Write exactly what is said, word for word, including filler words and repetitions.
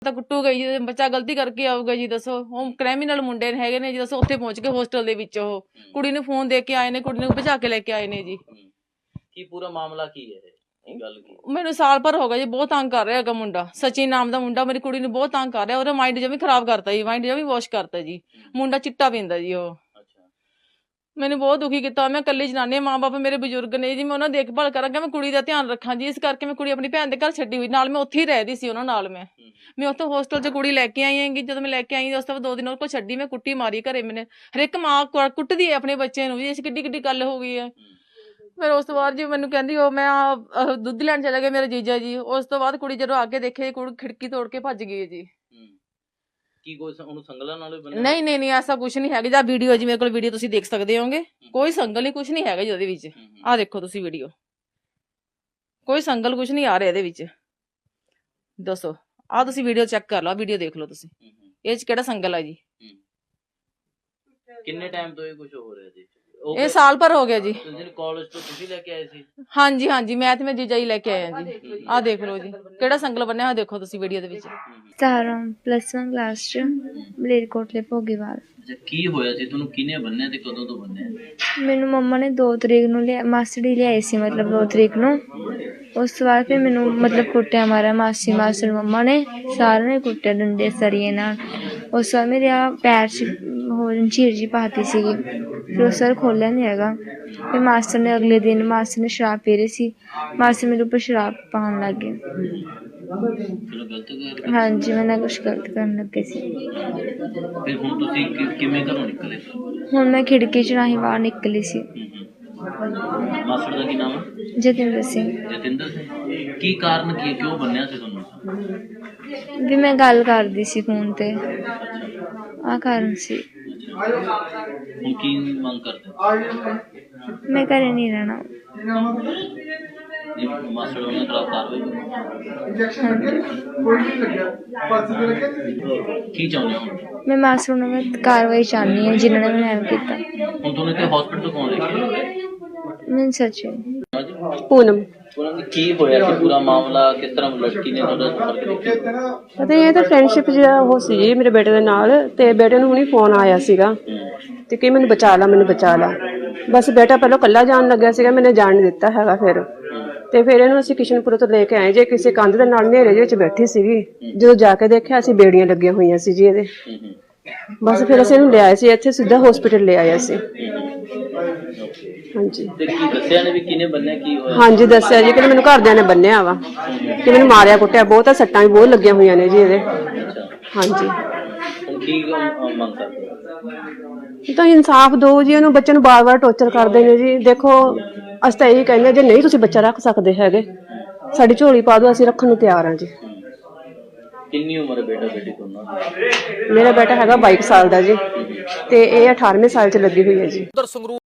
ਤਾਂ ਕੁੱਟੂਗਾ ਜੀ, ਬੱਚਾ ਗਲਤੀ ਕਰਕੇ ਆਊਗਾ ਜੀ, ਦੱਸੋ। ਉਹ ਕ੍ਰਿਮੀਨਲ ਮੁੰਡੇ ਹੈਗੇ ਨੇ ਜੀ, ਦੱਸੋ। ਉੱਥੇ ਪਹੁੰਚ ਕੇ ਹੋਸਟਲ ਦੇ ਵਿੱਚ ਉਹ ਕੁੜੀ ਨੂੰ ਫੋਨ ਦੇ ਕੇ ਆਏ ਨੇ, ਕੁੜੀ ਨੂੰ ਭਜਾ ਕੇ ਲੈ ਕੇ ਆਏ ਨੇ ਜੀ। ਕੀ ਪੂਰਾ ਮਾਮਲਾ ਕੀ ਹੈ ਇਹ ਗੱਲ ਕੀ? ਮੈਨੂੰ ਸਾਲ ਭਰ ਹੋ ਗਿਆ ਜੀ, ਬਹੁਤ ਤੰਗ ਕਰ ਰਿਹਾ ਹੈਗਾ ਮੁੰਡਾ। ਸਚਿਨ ਨਾਮ ਦਾ ਮੁੰਡਾ ਮੇਰੀ ਕੁੜੀ ਨੂੰ ਬਹੁਤ ਤੰਗ ਕਰ ਰਿਹਾ। ਉਹਦਾ ਮਾਈਂਡ ਜਮੀ ਖਰਾਬ ਕਰਤਾ ਜੀ, ਮਾਈਂਡ ਜਮੀ ਵਾਸ਼ ਕਰਤਾ ਜੀ। ਮੁੰਡਾ ਚਿੱਟਾ ਪੀਂਦਾ ਜੀ ਉਹ। ਮੈਨੂੰ ਬਹੁਤ ਦੁਖੀ ਕੀਤਾ। ਮੈਂ ਇਕੱਲੀ ਜਨਾਨੀ, ਮਾਂ ਬਾਪ ਮੇਰੇ ਬਜ਼ੁਰਗ ਨੇ ਜੀ, ਮੈਂ ਉਹਨਾਂ ਦੀ ਦੇਖਭਾਲ ਕਰਾਂਗਾ, ਮੈਂ ਕੁੜੀ ਦਾ ਧਿਆਨ ਰੱਖਾਂ ਜੀ। ਇਸ ਕਰਕੇ ਮੈਂ ਕੁੜੀ ਆਪਣੀ ਭੈਣ ਦੇ ਘਰ ਛੱਡੀ ਹੋਈ, ਨਾਲ ਮੈਂ ਉੱਥੇ ਹੀ ਰਹਿਦੀ ਸੀ ਉਹਨਾਂ ਨਾਲ। ਮੈਂ ਮੈਂ ਉੱਥੋਂ ਹੋਸਟਲ 'ਚ ਕੁੜੀ ਲੈ ਕੇ ਆਈ ਹੈਗੀ। ਜਦੋਂ ਮੈਂ ਲੈ ਕੇ ਆਈ ਉਸ ਤੋਂ ਬਾਅਦ ਦੋ ਦਿਨ ਉਹ ਕੋਲ ਛੱਡੀ, ਮੈਂ ਕੁੱਟੀ ਮਾਰੀ ਘਰੇ। ਮੈਨੇ ਹਰ ਇੱਕ ਮਾਂ ਕੁੱਟਦੀ ਹੈ ਆਪਣੇ ਬੱਚੇ ਨੂੰ ਜੀ, ਇਸ ਕਿੱਡੀ ਕਿੱਡੀ ਗੱਲ ਹੋ ਗਈ ਹੈ। ਫਿਰ ਉਸ ਤੋਂ ਬਾਅਦ ਜੀ ਮੈਨੂੰ ਕਹਿੰਦੀ ਉਹ ਮੈਂ ਦੁੱਧ ਲੈਣ ਚਲੇ ਗਏ ਮੇਰੇ ਜੀਜਾ ਜੀ। ਉਸ ਤੋਂ ਬਾਅਦ ਕੁੜੀ ਜਦੋਂ ਅੱਗੇ ਦੇਖੇ, ਕੁੜੀ ਖਿੜਕੀ ਤੋੜ ਕੇ ਭੱਜ ਗਈ ਜੀ। ਕੀ ਕੋਈ ਉਹਨੂੰ ਸੰਗਲਾਂ ਨਾਲ ਬੰਨਿਆ? ਨਹੀਂ ਨਹੀਂ ਨਹੀਂ, ਐਸਾ ਕੁਝ ਨਹੀਂ ਹੈਗਾ। ਜਾਂ ਵੀਡੀਓ ਜੀ ਮੇਰੇ ਕੋਲ ਵੀਡੀਓ ਤੁਸੀਂ ਦੇਖ ਸਕਦੇ ਹੋਗੇ। ਕੋਈ ਸੰਗਲ ਨਹੀਂ, ਕੁਝ ਨਹੀਂ ਹੈਗਾ ਜੀ ਉਹਦੇ ਵਿੱਚ। ਆਹ ਦੇਖੋ ਤੁਸੀਂ ਵੀਡੀਓ, ਕੋਈ ਸੰਗਲ ਕੁਝ ਨਹੀਂ ਆ ਰਿਹਾ ਇਹਦੇ ਵਿੱਚ। ਦੱਸੋ, ਆਹ ਤੁਸੀਂ ਵੀਡੀਓ ਚੈੱਕ ਕਰ ਲਓ, ਵੀਡੀਓ ਦੇਖ ਲਓ ਤੁਸੀਂ, ਇਹ 'ਚ ਕਿਹੜਾ ਸੰਗਲ ਆ ਜੀ। ਕਿੰਨੇ ਟਾਈਮ ਤੋਂ ਇਹ ਕੁਝ ਹੋ ਰਿਹਾ ਜੀ? ਇਹ ਸਾਲ ਭਰ ਹੋ ਗਿਆ ਜੀ। ਕਾਲਜ ਤੋਂ ਤੁਸੀਂ ਲੈ ਕੇ ਆਏ ਸੀ? ਹਾਂਜੀ ਹਾਂਜੀ, ਮੈਂ ਤੇ ਮੈਂ ਜੀਜਾ ਹੀ ਲੈ ਕੇ ਆਏ ਆ ਜੀ। ਆਹ ਦੇਖ ਲਓ ਜੀ, ਕਿਹੜਾ ਸੰਗਲ ਬੰਨਿਆ ਹੋਇਆ ਦੇਖੋ ਤੁਸੀਂ ਵੀਡੀਓ ਦੇ ਵਿੱਚ। ਸਤਾਰਾਂ ਪਲੱਸ ਵਨ ਕਲਾਸ 'ਚ ਮਲੇਰਕੋਟਲੇ ਭੋਗੀਵਾਲ। ਕੀ ਹੋਇਆ ਸੀ ਤੁਹਾਨੂੰ? ਕਿਹਨੇ ਬੰਨਿਆ ਤੇ ਕਦੋਂ ਤੋਂ ਬੰਨਿਆ? ਮੈਨੂੰ ਮੰਮਾ ਨੇ ਦੋ ਤਰੀਕ ਨੂੰ ਲਿਆ, ਮਾਸੜੀ ਲਿਆਈ ਸੀ ਮਤਲਬ ਦੋ ਤਰੀਕ ਨੂੰ। ਉਸ ਤੋਂ ਬਾਅਦ ਫਿਰ ਮੈਨੂੰ ਮਤਲਬ ਕੁੱਟਿਆ ਮਾਰਿਆ ਮਾਸੀ ਮਾਸੜ ਮੰਮਾ ਨੇ, ਸਾਰਿਆਂ ਨੇ ਕੁੱਟਿਆ ਡੰਡੇ ਸਰੀਏ ਨਾਲ। ਉਸ ਤੋਂ ਬਾਅਦ ਮੇਰੇ ਆ ਪੈਰ 'ਚ ਹੋਰ ਝੀਰ ਜੀ ਪਾਤੀ ਸੀਗੀ। ਫਿਰ ਉਹ ਸਰ ਖੋਲ੍ਹਿਆ ਨਹੀਂ ਹੈਗਾ। ਫਿਰ ਮਾਸਟਰ ਨੇ ਅਗਲੇ ਦਿਨ ਮਾਸਟਰ ਨੇ ਸ਼ਰਾਬ ਪੀ ਰਹੀ ਸੀ, ਮਾਸਟਰ ਮੇਰੇ ਉੱਪਰ ਸ਼ਰਾਬ ਪਾਉਣ ਲੱਗ ਗਏ। ਹਾਂਜੀ, ਮੈਂ ਨਾ ਕੁਛ ਗਲਤ ਕਰਨ ਲੱਗੇ ਸੀ। ਫਿਰ ਹੁਣ ਤੁਸੀਂ ਕਿਵੇਂ ਘਰੋਂ ਨਿਕਲੇ? ਹੁਣ ਮੈਂ ਖਿੜਕੀ 'ਚ ਰਾਹੀਂ ਬਾਹਰ ਨਿਕਲੀ ਸੀ। ਮਾਸੜ ਦਾ ਕੀ ਨਾਮ ਹੈ? ਜਤਿੰਦਰ ਸਿੰਘ। ਜਤਿੰਦਰ ਸਿੰਘ। ਕੀ ਕਾਰਨ ਕੀ, ਕਿਉਂ ਬੰਨਿਆ ਸੀ ਤੁਹਾਨੂੰ? ਵੀ ਮੈਂ ਗੱਲ ਕਰਦੀ ਸੀ ਫੋਨ ਤੇ, ਆਹ ਕਾਰਨ ਸੀ। ਹੁਣ ਕੀ ਮੰਗ ਕਰਦੇ? ਮੈਂ ਘਰੇ ਨਹੀਂ ਰਹਿਣਾ। ਮਾਸੜ ਹੋਣਾ ਖਿਲਾਫ ਕਾਰਵਾਈ ਕੀ ਚਾਹੁੰਦੇ ਹੋ? ਮੈਂ ਮਾਸਟਰ ਨੂੰ ਮੈਂ ਕਾਰਵਾਈ ਚਾਹੁੰਦੀ ਹਾਂ ਜਿਨ੍ਹਾਂ ਨੇ ਮੈਨੂੰ ਐਵੇਂ ਕੀਤਾ। ਹੁਣ ਤੁਹਾਨੂੰ ਇੱਥੇ ਹਸਪੀਟਲ ਤੋਂ ਕੌਣ ਲੈ ਕੇ ਆਇਆ? ਮੈਨੂੰ ਸੱਚੀ ਪੂਨਮ। ਪੂਨਮ, ਕੀ ਹੋਇਆ ਸੀ ਪੂਰਾ ਮਾਮਲਾ? ਕਿਸ ਤਰ੍ਹਾਂ ਲੜਕੀ ਨੇ ਤੁਹਾਡਾ ਸੰਪਰਕ ਕੀਤਾ? ਪਤਾ ਇਹ ਤਾਂ ਫਰੈਂਡਸ਼ਿਪ ਜਿਹੜਾ ਉਹ ਸੀ ਜੀ ਮੇਰੇ ਬੇਟੇ ਦੇ ਨਾਲ, ਤੇ ਬੇਟੇ ਨੂੰ ਹੁਣੀ ਫੋਨ ਆਇਆ ਸੀਗਾ ਤੇ ਕਿ ਮੈਨੂੰ ਬਚਾ ਲਾ, ਮੈਨੂੰ ਬਚਾ ਲਾ। ਬਸ ਬੇਟਾ ਪਹਿਲਾਂ ਇਕੱਲਾ ਜਾਣ ਲੱਗਿਆ ਸੀਗਾ, ਮੈंने ਜਾਣ ਨਹੀਂ ਦਿੱਤਾ ਹੈਗਾ। ਫਿਰ ਤੇ ਫਿਰ ਇਹਨੂੰ ਅਸੀਂ ਕਿਸ਼ਨਪੁਰ ਤੋਂ ਲੈ ਕੇ ਆਏ ਜੇ, ਕਿਸੇ ਕੰਧ ਦੇ ਨਾਲ ਹਨੇਰੇ ਦੇ ਵਿੱਚ ਬੈਠੀ ਸੀਗੀ। ਜਦੋਂ ਜਾ ਕੇ ਦੇਖਿਆ ਅਸੀਂ ਬੇੜੀਆਂ ਲੱਗੀਆਂ ਹੋਈਆਂ ਸੀ ਜੀ ਇਹਦੇ। ਬਸ ਫਿਰ ਅਸੀਂ ਇਹਨੂੰ ਲਿਆਏ ਸੀ ਇੱਥੇ, ਸਿੱਧਾ ਹਸਪੀਟਲ ਲੈ ਆਏ ਸੀ। ਹਾਂਜੀ। ਤੇ ਕੀ ਦੱਸਿਆ ਨੇ ਵੀ ਕਿਹਨੇ ਬੰਨਿਆ, ਕੀ ਹੋਇਆ? ਹਾਂਜੀ ਦੱਸਿਆ ਜੀ ਕਿ ਮੈਨੂੰ ਘਰਦਿਆਂ ਨੇ ਬੰਨਿਆ ਵਾ, ਕਿ ਮੈਨੂੰ ਮਾਰਿਆ ਕੁੱਟਿਆ ਬਹੁਤ ਆ, ਸੱਟਾਂ ਵੀ ਬਹੁਤ ਲੱਗੀਆਂ ਹੋਈਆਂ ਨੇ ਜੀ ਇਹਦੇ। ਹਾਂਜੀ। ਹੁਣ ਕੀ ਮੰਗ ਕਰਦੇ? ਤਾਂ ਇਨਸਾਫ ਦਿਓ ਜੀ, ਉਹਨੂੰ ਬੱਚੇ ਨੂੰ ਬਾਰ-ਬਾਰ ਟੌਰਚਰ ਕਰਦੇ ਨੇ ਜੀ। ਦੇਖੋ ਅਸੀਂ ਤਾਂ ਇਹੀ ਕਹਿੰਦੇ ਜੇ ਨਹੀਂ ਤੁਸੀਂ ਬੱਚਾ ਰੱਖ ਸਕਦੇ ਹੈਗੇ, ਸਾਡੀ ਝੋਲੀ ਪਾ ਦਿਓ, ਅਸੀਂ ਰੱਖਣ ਨੂੰ ਤਿਆਰ ਹਾਂ ਜੀ। ਕਿੰਨੀ ਉਮਰ ਹੈ ਬੇਟਾ ਬੇਟੀ ਦੋਨਾਂ ਦੀ? ਮੇਰਾ ਬੇਟਾ ਹੈਗਾ ਬਾਈ ਸਾਲ ਦਾ ਜੀ, ਤੇ ਇਹ ਅਠਾਰਵੇਂ ਸਾਲ 'ਚ ਲੱਗੀ ਹੋਈ ਹੈ ਜੀ।